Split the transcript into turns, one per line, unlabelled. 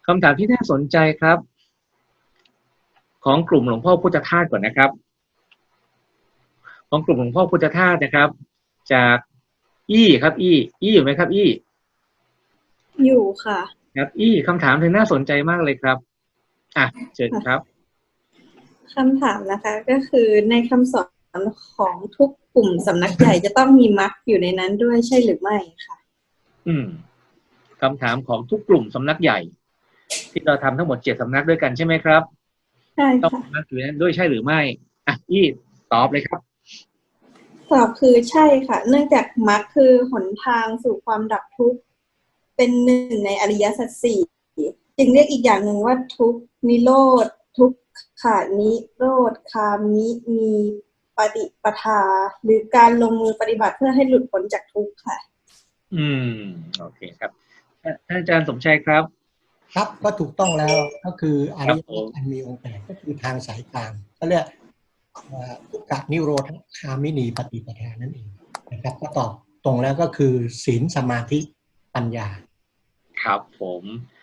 คำถามที่น่าสนใจครับของกลุ่มหลวงพ่อพุทธทาสก่อนนะครับของกลุ่มหลวงพ่อพุทธทาสนะครับจากครับอี้อยู่ไหมครับ
อยู่ค่ะ
ครับคำถามเธอน่าสนใจมากเลยครับเชิญครับ
คำถามนะคะก็คือในคำสอนของทุกกลุ่มสำนักใหญ่จะต้องมีมรรคอยู่ในนั้นด้วยใช่หรือไม่ค่ะ
อืมคำถามของทุกกลุ่มสำนักใหญ่ที่เราทำทั้งหมด7 สำนักด้วยกันใช่ไหมครับ
ใช่
ต้อง
ค่ะ
มีมรรคอยู่ในนั้นด้วยใช่หรือไม่อี้ตอบเลยครับ
ตอบคือใช่ค่ะเนื่องจากมรรคคือหนทางสู่ความดับทุกข์เป็นหนึ่งในอริยสัจสี่จึงเรียกอีกอย่างหนึ่งว่าทุกข์นิโรธทุกขานิโรธคามิมีปฏิปทาหรือการลงมือปฏิบัติเพื่อให้หลุดพ้นจากทุกข์ค่ะ
อืมโอเคครับท่านอาจารย์สมชัยครับ
ครับก็ถูกต้องแล้วก็คืออ
ครับ
ริยมรรค
ผม
อันมีองค์แปดก็คือทางสายกลางก็เรียกทุกขนิโรธคามินีปฏิปทานั่นเองนะครับก็ตอบตรงแล้วก็คือศีลสมาธิปัญญา
ครับผม